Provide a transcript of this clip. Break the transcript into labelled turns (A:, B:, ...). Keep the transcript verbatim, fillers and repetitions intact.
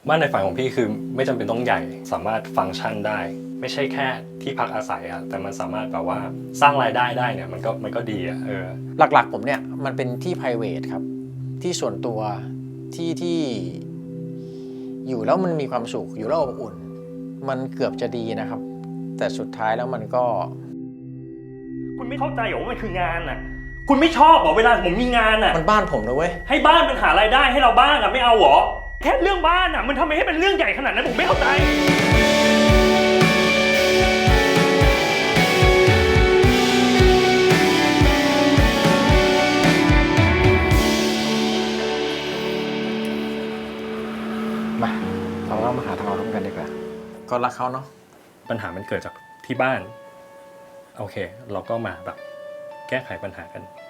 A: บ้านในฝันของพี่คือไม่จำเป็นต้องใหญ่สามารถฟังก์ชันได้ไม่ใช่แค่ที่พักอาศัยอะแต่มันสามารถแบบว่าสร้างรายได้ได้เนี่ยมันก็มันก็ดีอะเออ
B: หลักๆผมเนี่ยมันเป็นที่ private ครับที่ส่วนตัวที่ที่อยู่แล้วมันมีความสุขอยู่แล้วอบอุ่นมันเกือบจะดีนะครับแต่สุดท้ายแล้วมันก็
A: คุณไม่เข้าใจเหรอว่ามันคืองานน่ะคุณไม่ชอบเหรอเวลาผมมีงานน่ะ
B: มันบ้านผมนะเว้ย
A: ให้บ้านมันหารายได้ให้เราบ้างอะไม่เอาเหรอแค่เรื่องบ้านอะมันทำไมให้เป็นเรื่องใหญ่ขนาดนั้นผมไม่เข้าใจ
B: มาเราเล่ามาหาทางออกร่วมกันดีกว่าก็รักเขาเนาะ
A: ปัญหามันเกิดจากที่บ้านโอเคเราก็มาแบบแก้ไขปัญหากัน